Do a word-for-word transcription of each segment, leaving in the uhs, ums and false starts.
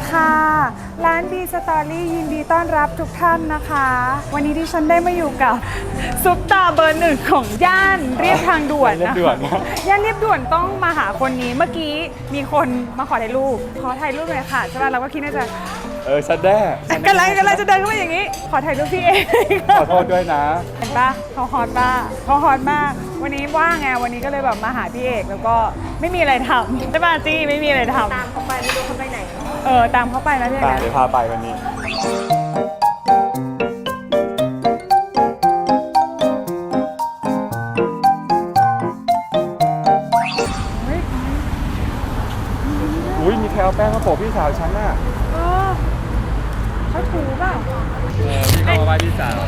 ค่ะร้านดีสตอรี่ยินดีต้อนรับทุกท่านนะคะวันนี้ที่ฉันได้มาอยู่กับซุปตาเบอร์หนึ่งของย่านเรียบทางด่วนนะคะย่านเรียบด่วนต้องมาหาคนนี้เมื่อกี้มีคนมาขอถ่ายรูปขอถ่ายรูปเลยค่ะใช่ป่ะเราก็คิดน่าจะเออฉันแด้กำลังกำลังจะเดินเข้ามาอย่างนี้ขอถ่ายรูปพี่เองขอโทษด้วยนะเห็นปะเขาฮอตป่ะเขาฮอตมากวันนี้ว่างไงวันนี้ก็เลยแบบมาหาพี่เอกแล้วก็ไม่มีอะไรทำใช่ป่ะจี้ไม่มีอะไรทำตามเขาไปไม่รู้เขาไปไหนเออตามเขาไปนะพี่เอกนะเดี๋ยวพาไปวันนี้อุ้ยมีแคลแป้งข้าวโพดพี่สาวฉันน่ะเออเขาถูเปล่าเออพี่เขามาไหว้พี่สาว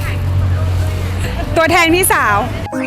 ตัวแทนพี่สาว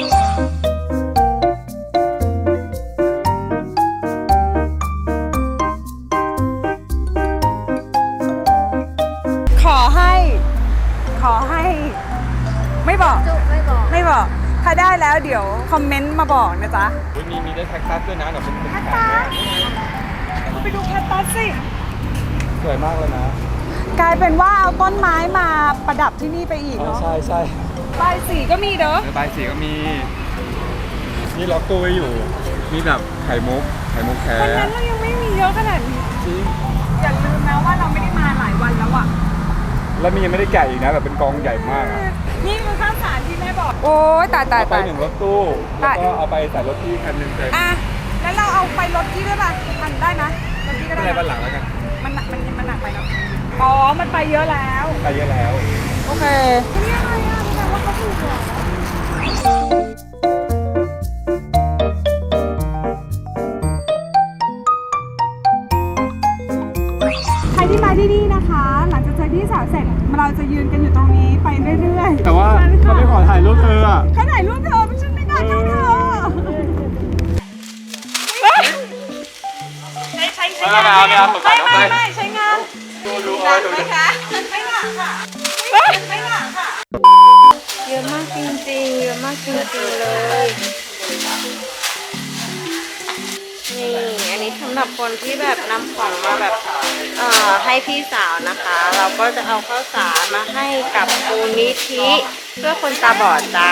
ขอให้ขอให้ไม่บอกไม่บอกไม่บอกถ้าได้แล้วเดี๋ยวคอมเมนต์มาบอกนะจ๊ะมีมีได้แคคตัสด้วยนะเดี๋ยวเป็นแคคตัสไปดูแคคตัสสิสวยมากเลยนะกลายเป็นว่าเอาต้นไม้มาประดับที่นี่ไปอีกเนาะใช่ใช่ใบสีก็มีเด้อใบสีก็มีนี่ล็อกตู้ไว้อยู่มีแบบไข่มุกไข่มุกแท้วันนั้นเรายังไม่มีเยอะขนาดนี้จริงอย่าลืมนะว่าเราไม่ได้มาหลายวันแล้วอะแล้วมียังไม่ได้แกะอีกนะแบบเป็นกองใหญ่มากนี่คือข้าวสารที่แม่บอกโอ้ยตายตายไปหนึ่งรถตู้แล้วก็เอาไปใส่รถที่คันหนึ่งเลยอ่ะแล้วเราเอาไปรถที่ด้วยป่ะมันได้ไหมรถที่ก็ได้ไม่ได้บ้านหลังแล้วกันมันมันมันหนักไปเนาะอ๋อมันไปเยอะแล้วไปเยอะแล้วโอเคนี่อะไรอ่ะแปลว่าเขาถูกเหรอใครที่มาที่นี่นะคะหลังจากเจอพี่สาวเสร็จเราจะยืนกันอยู่ตรงนี้ไปเรื่อยๆแต่ว่าเขาไม่ขอถ่ายรูปเธออ่ะเขาถ่ายรูปเธอไม่ใช่ไม่ได้เท่าเธอใช้ใช้ใช้งานไม่ไม่ไม่ใช้งานดูดูเอาดูไหมคะไม่หนักค่ะไม่หนักค่ะเยอะมากจริงๆเยอะมากจริงๆเลยนี่อันนี้สำหรับคนที่แบบนำของมาแบบเอ่อให้พี่สาวนะคะ เราก็จะเอาข้าวสารมาให้กับมูลนิธิเพื่อคนตาบอดจ้า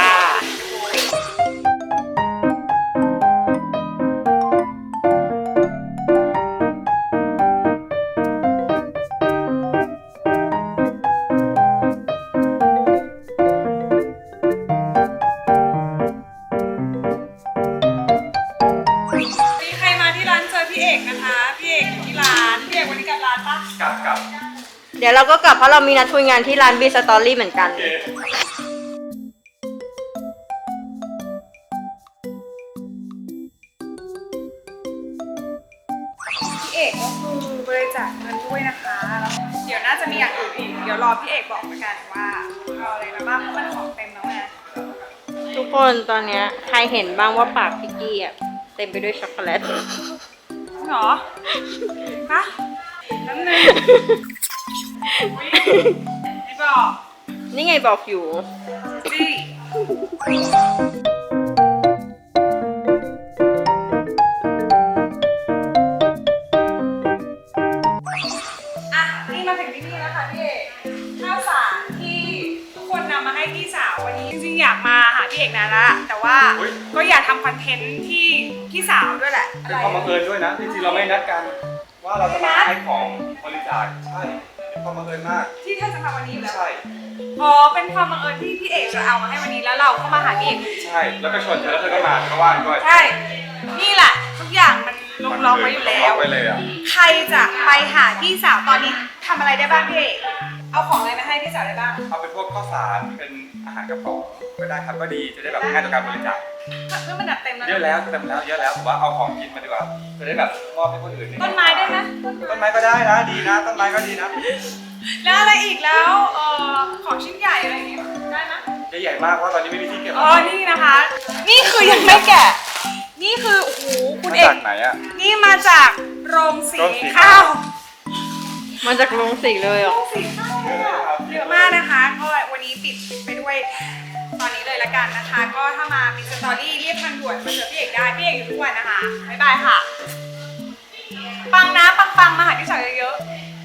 กลับกลับเดี๋ยวเราก็กลับเพราะเรามีนัดคุยงานที่ร้านบีสตอรี่เหมือนกันพี่เอกก็คือบริจาคเงินด้วยนะคะแล้วเดี๋ยวน่าจะมีอย่างอื่นอีกเดี๋ยวรอพี่เอกบอกแล้วกันว่าเอาอะไรมาบ้างเพราะมันของเต็มแล้วไงทุกคนตอนนี้ใครเห็นบ้างว่าปากพี่กี้อ่ะเต็มไปด้วยช็อกโกแลตหรอฮะนั่นเลยไม่บอกนี่ไงบอกอยู่จี้อ่ะนี่มาถึงที่นี่แล้วค่ะพี่เอกข้าวสารที่ทุกคนนำมาให้พี่สาววันนี้จริงๆอยากมาหาพี่เอกนานละแต่ว่าก็อยากทำคอนเทนต์ที่พี่สาวด้วยแหละเป็นความบังเอิญด้วยนะจริงๆเราไม่นัดกันว่าเราจะมาให้ของบริจาคใช่เป็นความบังเอิญมากที่เธอจะมาวันนี้อยู่แล้วใช่อ๋อเป็นความบังเอิญที่พี่เอกจะเอามาให้วันนี้แล้วเราก็มาหาพี่เอกใช่แล้วก็ชวนเธอแล้วเธอก็มาเธอก็ว่างด้วยใช่นี่แหละทุกอย่างมันลงล็อกไว้อยู่แล้วใครจะไปหาพี่สาวตอนนี้ทำอะไรได้บ้างพี่เอกเอาของอะไรมาให้พี่สาวได้บ้างเอาเป็นพวกข้าวสารเป็นอาหารกระป๋องก็ได้ครับก็ดีจะได้แบบง่ายต่อการบริจาคเมื่อมันเต็มแล้วเยอะแล้วเต็มแล้วเยอะแล้วผมว่าเอาของกินมาดีกว่าจะได้แบบมอบให้คนอื่นต้นไม้ได้ไหมต้นไม้ก็ได้นะดีนะต้นไม้ก็ดีนะแล้วอะไรอีกแล้วเออของชิ้นใหญ่อะไรอย่างเงี้ยได้ไหมใหญ่มากว่าตอนนี้ไม่มีที่เก็บอ๋อนี่นะคะนี่คือยังไม่แกะนี่คือโอ้โหคุณเอกมาจากไหนอ่ะนี่มาจากโรงสีข้าวมาจากโรงสีเลยอ่ะโรงสีข้าวเยอะมากนะคะก็วันนี้ปิดไปด้วยตอนนี้เลยละกันนะคะก็ถ้ามามีสตอรี่เรียบทางด่วนมาเจอพี่เอกได้พี่เอกอยู่ทุกวันนะคะบ๊ายบายค่ะปังนะปังปังมาหาพี่สาวเยอะๆ